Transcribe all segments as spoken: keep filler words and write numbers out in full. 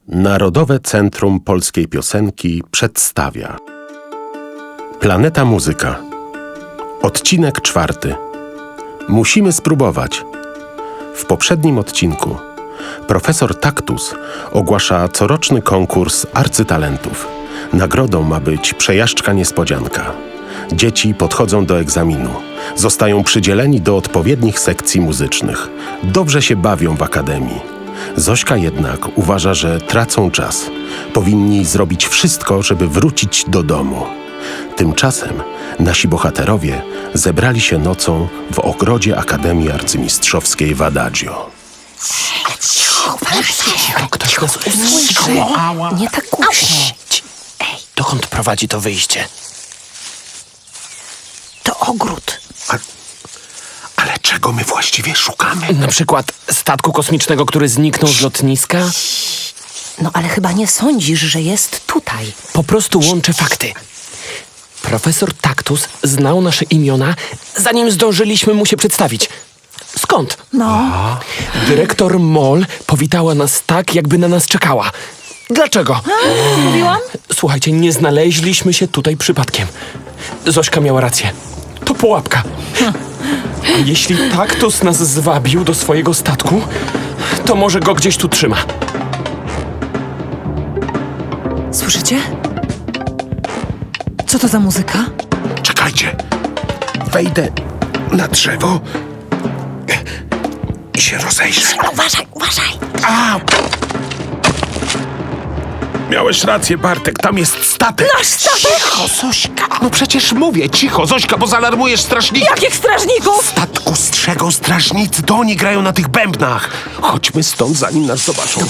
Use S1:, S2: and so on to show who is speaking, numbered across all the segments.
S1: Narodowe Centrum Polskiej Piosenki przedstawia Planeta Muzyka. Odcinek czwarty. Musimy spróbować. W poprzednim odcinku profesor Taktus ogłasza coroczny konkurs arcytalentów. Nagrodą ma być przejażdżka niespodzianka. Dzieci podchodzą do egzaminu. Zostają przydzieleni do odpowiednich sekcji muzycznych. Dobrze się bawią w akademii. Zośka jednak uważa, że tracą czas. Powinni zrobić wszystko, żeby wrócić do domu. Tymczasem nasi bohaterowie zebrali się nocą w ogrodzie Akademii Arcymistrzowskiej w Adagio.
S2: Ktoś nas usłyszy.
S3: Nie tak głośno.
S2: Dokąd prowadzi to wyjście?
S3: To ogród.
S1: Ale czego my właściwie szukamy?
S2: Na przykład statku kosmicznego, który zniknął z lotniska?
S3: No ale chyba nie sądzisz, że jest tutaj.
S2: Po prostu łączę fakty. Profesor Taktus znał nasze imiona, zanim zdążyliśmy mu się przedstawić. Skąd?
S3: No.
S2: Dyrektor Moll powitała nas tak, jakby na nas czekała. Dlaczego?
S3: Mówiłam?
S2: Słuchajcie, nie znaleźliśmy się tutaj przypadkiem. Zośka miała rację. To pułapka. A jeśli Taktus nas zwabił do swojego statku, to może go gdzieś tu trzyma.
S3: Słyszycie? Co to za muzyka?
S1: Czekajcie. Wejdę na drzewo i się rozejrzę.
S3: Uważaj, uważaj.
S1: A! Miałeś rację, Bartek, tam jest statek.
S3: Nasz statek!
S1: Cicho, Zośka. No przecież mówię, cicho, Zośka, bo zaalarmujesz strażników.
S3: Jakich strażników?
S1: Statku strzegą strażnicy, to oni grają na tych bębnach. Chodźmy stąd, zanim nas zobaczą.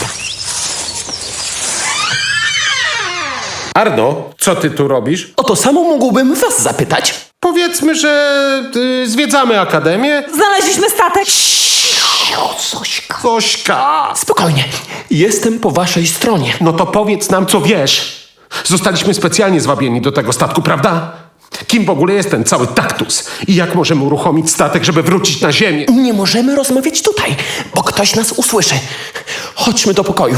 S1: Arno, co ty tu robisz?
S2: O to samo mógłbym was zapytać.
S1: Powiedzmy, że y, zwiedzamy akademię.
S3: Znaleźliśmy statek.
S1: Zośka. Zośka.
S2: Spokojnie, jestem po waszej stronie.
S1: No to powiedz nam, co wiesz. Zostaliśmy specjalnie zwabieni do tego statku, prawda? Kim w ogóle jest ten cały Taktus? I jak możemy uruchomić statek, żeby wrócić na ziemię?
S2: Nie możemy rozmawiać tutaj, bo ktoś nas usłyszy. Chodźmy do pokoju.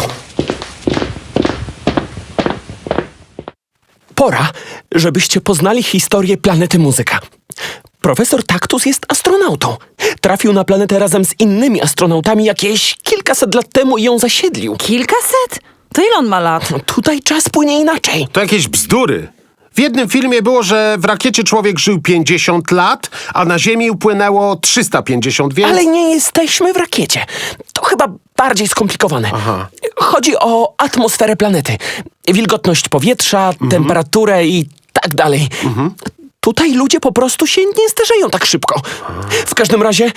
S2: Pora, żebyście poznali historię planety Muzyka. Profesor Taktus jest astronautą. Trafił na planetę razem z innymi astronautami jakieś kilkaset lat temu i ją zasiedlił.
S3: Kilkaset? To ile on ma lat?
S2: Tutaj czas płynie inaczej.
S1: To jakieś bzdury. W jednym filmie było, że w rakiecie człowiek żył pięćdziesiąt lat, a na Ziemi upłynęło trzysta pięćdziesiąt, więc...
S2: Ale nie jesteśmy w rakiecie. To chyba bardziej skomplikowane.
S1: Aha.
S2: Chodzi o atmosferę planety. Wilgotność powietrza,
S1: Mhm.
S2: temperaturę i tak dalej. Mhm. Tutaj ludzie po prostu się nie starzeją tak szybko. W każdym razie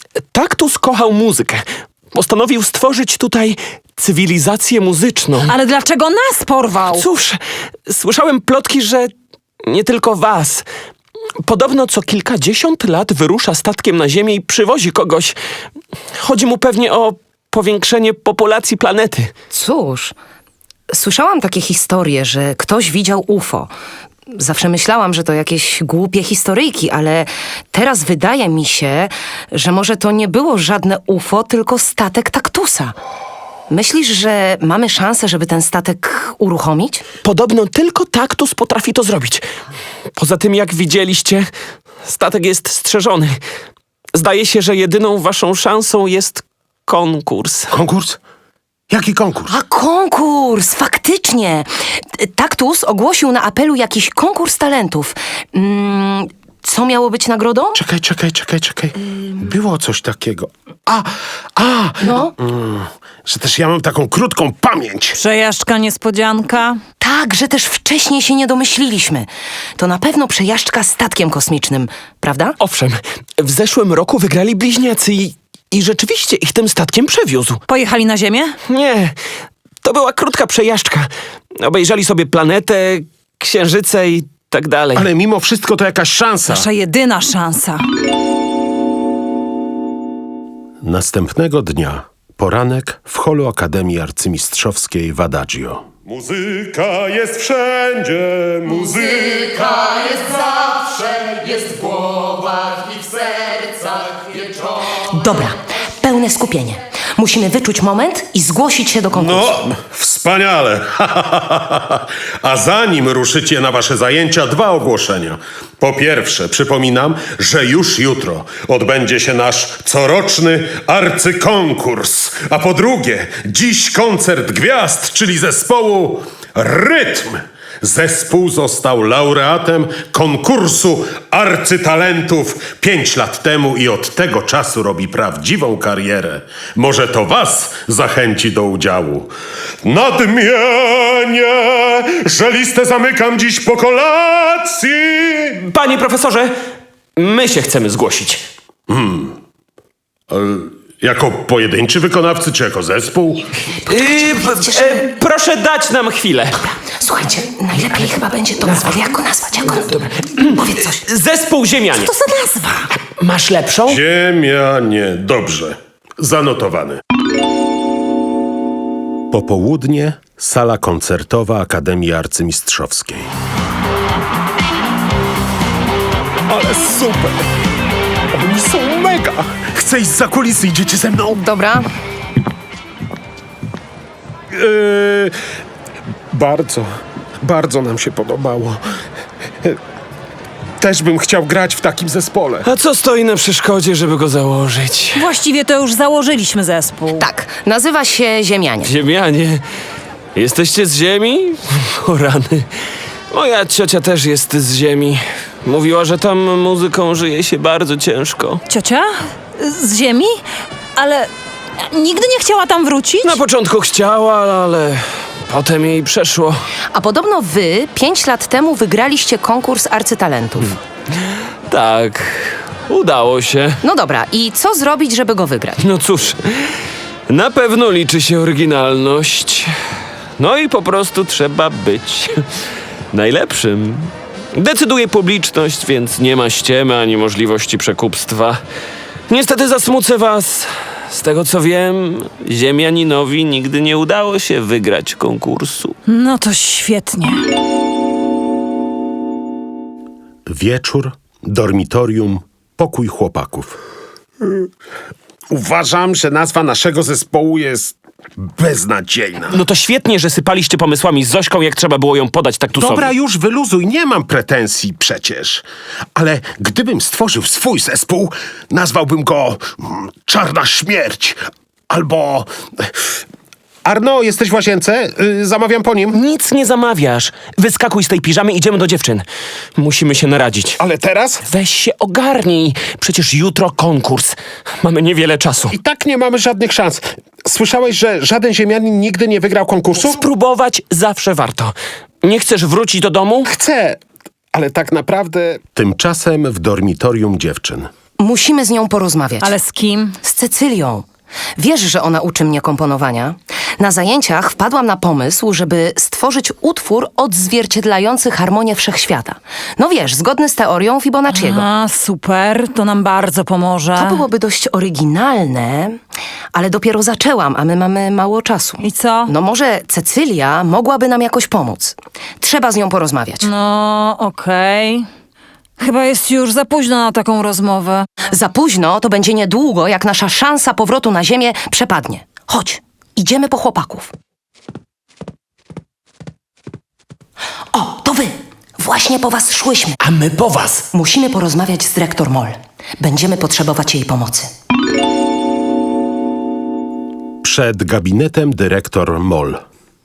S2: Taktus kochał muzykę. Postanowił stworzyć tutaj cywilizację muzyczną.
S3: Ale dlaczego nas porwał?
S2: Cóż, słyszałem plotki, że nie tylko was. Podobno co kilkadziesiąt lat wyrusza statkiem na Ziemię i przywozi kogoś. Chodzi mu pewnie o powiększenie populacji planety.
S4: Cóż, słyszałam takie historie, że ktoś widział U F O. Zawsze myślałam, że to jakieś głupie historyjki, ale teraz wydaje mi się, że może to nie było żadne U F O, tylko statek Taktusa. Myślisz, że mamy szansę, żeby ten statek uruchomić?
S2: Podobno tylko Taktus potrafi to zrobić. Poza tym, jak widzieliście, statek jest strzeżony. Zdaje się, że jedyną waszą szansą jest konkurs.
S1: Konkurs? Jaki konkurs?
S4: A konkurs! Faktycznie! Taktus ogłosił na apelu jakiś konkurs talentów. Mm, co miało być nagrodą?
S1: Czekaj, czekaj, czekaj, czekaj. Było coś takiego. A, a!
S4: No?
S1: Mm, że też ja mam taką krótką pamięć.
S3: Przejażdżka niespodzianka.
S4: Tak, że też wcześniej się nie domyśliliśmy. To na pewno przejażdżka statkiem kosmicznym, prawda?
S2: Owszem, w zeszłym roku wygrali bliźniacy i, i rzeczywiście ich tym statkiem przewiózł.
S3: Pojechali na ziemię?
S2: Nie, to była krótka przejażdżka. Obejrzeli sobie planetę, księżyce i tak dalej.
S1: Ale mimo wszystko to jakaś szansa.
S3: Nasza jedyna szansa.
S1: Następnego dnia, poranek w holu Akademii Arcymistrzowskiej w Adagio.
S5: Muzyka jest wszędzie, muzyka
S6: jest zawsze, jest w głowach i w sercach wieczorem.
S4: Dobra, pełne skupienie.
S3: Musimy wyczuć moment i zgłosić się do konkursu.
S5: No, wspaniale. A zanim ruszycie na wasze zajęcia, dwa ogłoszenia. Po pierwsze, przypominam, że już jutro odbędzie się nasz coroczny arcykonkurs. A po drugie, dziś koncert gwiazd, czyli zespołu Rytm. Zespół został laureatem konkursu arcytalentów pięć lat temu i od tego czasu robi prawdziwą karierę. Może to was zachęci do udziału. Nadmienię, że listę zamykam dziś po kolacji.
S2: Panie profesorze, my się chcemy zgłosić.
S5: Jako pojedynczy wykonawcy czy jako zespół?
S2: Yy, p- e, proszę dać nam chwilę.
S3: Słuchajcie, najlepiej chyba będzie to nazwać. Jak go nazwać? Jak go... Powiedz coś.
S2: Zespół Ziemianie.
S3: To za nazwa.
S2: Masz lepszą?
S5: Ziemianie, dobrze. Zanotowane.
S1: Popołudnie, sala koncertowa Akademii Arcymistrzowskiej.
S2: Ale super! Oni są mega!
S1: Chcę iść za kulisy, idziecie ze mną?
S4: Dobra,
S1: Yy, bardzo, bardzo nam się podobało. Też bym chciał grać w takim zespole.
S2: A co stoi na przeszkodzie, żeby go założyć?
S7: Właściwie to już założyliśmy zespół.
S4: tak, nazywa się Ziemianie.
S2: Ziemianie, jesteście z ziemi? O rany. Moja ciocia też jest z ziemi. Mówiła, że tam muzyką żyje się bardzo ciężko.
S7: Ciocia? Z ziemi? Ale nigdy nie chciała tam wrócić?
S2: Na początku chciała, ale potem jej przeszło.
S4: A podobno wy pięć lat temu wygraliście konkurs arcytalentów.
S2: Tak, udało się.
S4: No dobra, i co zrobić, żeby go wygrać?
S2: No cóż, na pewno liczy się oryginalność. No i po prostu trzeba być najlepszym. Decyduje publiczność, więc nie ma ściemy ani możliwości przekupstwa. Niestety zasmucę was. Z tego co wiem, Ziemianinowi nigdy nie udało się wygrać konkursu.
S7: No to świetnie.
S1: Wieczór, dormitorium, pokój chłopaków.
S5: Uważam, że nazwa naszego zespołu jest beznadziejna.
S2: No to świetnie, że sypaliście pomysłami z Zośką, jak trzeba było ją podać taktusowi.
S1: Dobra, już wyluzuj, nie mam pretensji przecież. Ale gdybym stworzył swój zespół, nazwałbym go mm, Czarna Śmierć. Albo... Arno, jesteś w łazience? Y, zamawiam po nim.
S2: Nic nie zamawiasz. Wyskakuj z tej piżamy, idziemy do dziewczyn. Musimy się naradzić.
S1: Ale teraz?
S2: Weź się ogarnij. Przecież jutro konkurs. Mamy niewiele czasu.
S1: I tak nie mamy żadnych szans. Słyszałeś, że żaden ziemianin nigdy nie wygrał konkursu?
S2: Spróbować zawsze warto. Nie chcesz wrócić do domu?
S1: Chcę, ale tak naprawdę... Tymczasem w dormitorium dziewczyn.
S4: Musimy z nią porozmawiać.
S7: Ale z kim?
S4: Z Cecylią. Wiesz, że ona uczy mnie komponowania? Na zajęciach wpadłam na pomysł, żeby stworzyć utwór odzwierciedlający harmonię wszechświata. No wiesz, zgodny z teorią Fibonacciego.
S7: A, super, to nam bardzo pomoże.
S4: To byłoby dość oryginalne, ale dopiero zaczęłam, a my mamy mało czasu.
S7: I co?
S4: No może Cecylia mogłaby nam jakoś pomóc. Trzeba z nią porozmawiać.
S7: No, okej. Chyba jest już za późno na taką rozmowę.
S4: Za późno to będzie niedługo, jak nasza szansa powrotu na ziemię przepadnie. Chodź, idziemy po chłopaków. O, to wy! Właśnie po was szłyśmy.
S2: A my po was.
S4: Musimy porozmawiać z dyrektor Moll. Będziemy potrzebować jej pomocy.
S1: Przed gabinetem dyrektor Moll.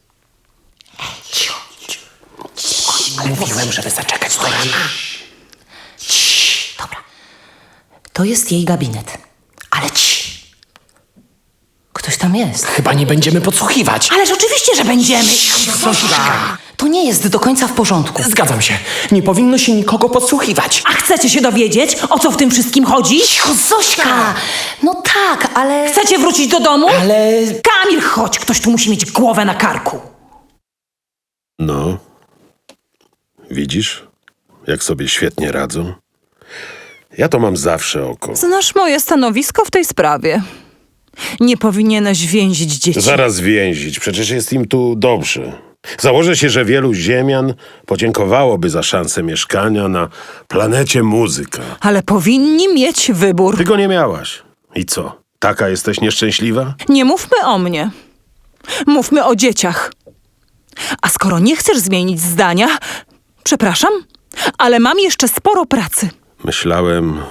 S2: Mówiłem, żeby zaczekać do rana.
S4: Dobra. To jest jej gabinet. Ale ci. Ktoś tam jest.
S2: Chyba nie będziemy podsłuchiwać.
S7: Ależ oczywiście, że będziemy.
S4: To nie jest do końca w porządku.
S2: Zgadzam się. Nie powinno się nikogo podsłuchiwać.
S7: A chcecie się dowiedzieć, o co w tym wszystkim chodzi?
S4: Cicho, Zośka! No tak, ale...
S7: Chcecie wrócić do domu?
S2: Ale...
S7: Kamil, chodź, ktoś tu musi mieć głowę na karku.
S5: No, widzisz, jak sobie świetnie radzą? Ja to mam zawsze oko.
S7: Znasz moje stanowisko w tej sprawie. Nie powinieneś więzić dzieci.
S5: Zaraz więzić, przecież jest im tu dobrze. Założę się, że wielu ziemian podziękowałoby za szansę mieszkania na planecie muzyka.
S7: Ale powinni mieć wybór.
S5: Ty go nie miałaś. I co?
S1: Taka jesteś nieszczęśliwa?
S7: Nie mówmy o mnie. Mówmy o dzieciach. A skoro nie chcesz zmienić zdania, przepraszam, ale mam jeszcze sporo pracy.
S1: Myślałem...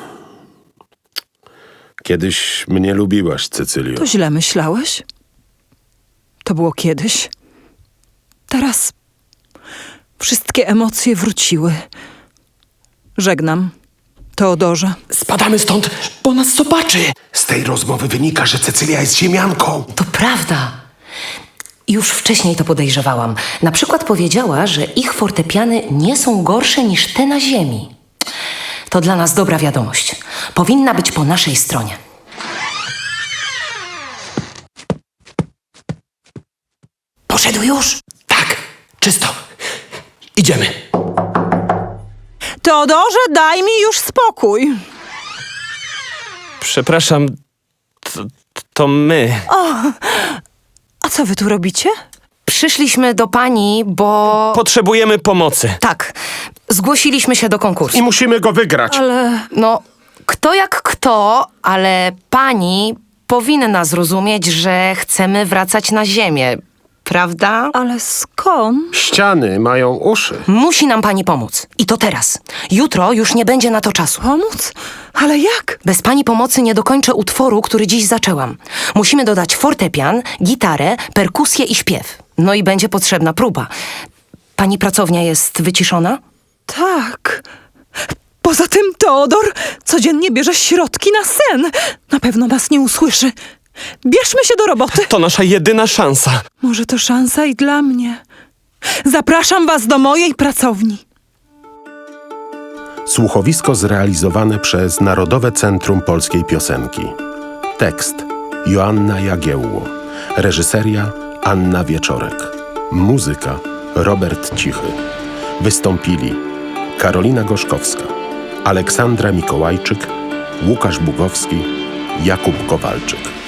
S1: Kiedyś mnie lubiłaś, Cecylio.
S7: To źle myślałeś? To było kiedyś. Teraz wszystkie emocje wróciły. Żegnam, Teodorze.
S2: Spadamy stąd, bo nas zobaczy.
S1: Z tej rozmowy wynika, że Cecylia jest ziemianką.
S4: To prawda. Już wcześniej to podejrzewałam. Na przykład powiedziała, że ich fortepiany nie są gorsze niż te na ziemi. To dla nas dobra wiadomość. Powinna być po naszej stronie. Poszedł już?
S2: Tak, czysto. Idziemy.
S7: Teodorze, daj mi już spokój.
S2: Przepraszam, to, to my.
S7: A co wy tu robicie?
S4: Przyszliśmy do pani, bo...
S2: Potrzebujemy pomocy.
S4: Tak, zgłosiliśmy się do konkursu.
S1: I musimy go wygrać.
S7: Ale
S4: No, kto jak kto, ale pani powinna zrozumieć, że chcemy wracać na ziemię, prawda?
S7: Ale skąd?
S1: Ściany mają uszy.
S4: Musi nam pani pomóc. I to teraz. Jutro już nie będzie na to czasu.
S7: Pomóc? Ale jak?
S4: Bez pani pomocy nie dokończę utworu, który dziś zaczęłam. Musimy dodać fortepian, gitarę, perkusję i śpiew. No i będzie potrzebna próba. Pani pracownia jest wyciszona?
S7: Tak. Poza tym Teodor codziennie bierze środki na sen. Na pewno nas nie usłyszy. Bierzmy się do roboty.
S2: To nasza jedyna szansa.
S7: Może to szansa i dla mnie. Zapraszam was do mojej pracowni.
S1: Słuchowisko zrealizowane przez Narodowe Centrum Polskiej Piosenki. Tekst Joanna Jagiełło. Reżyseria Anna Wieczorek. Muzyka Robert Cichy. Wystąpili Karolina Gorzkowska, Aleksandra Mikołajczyk, Łukasz Bugowski, Jakub Kowalczyk.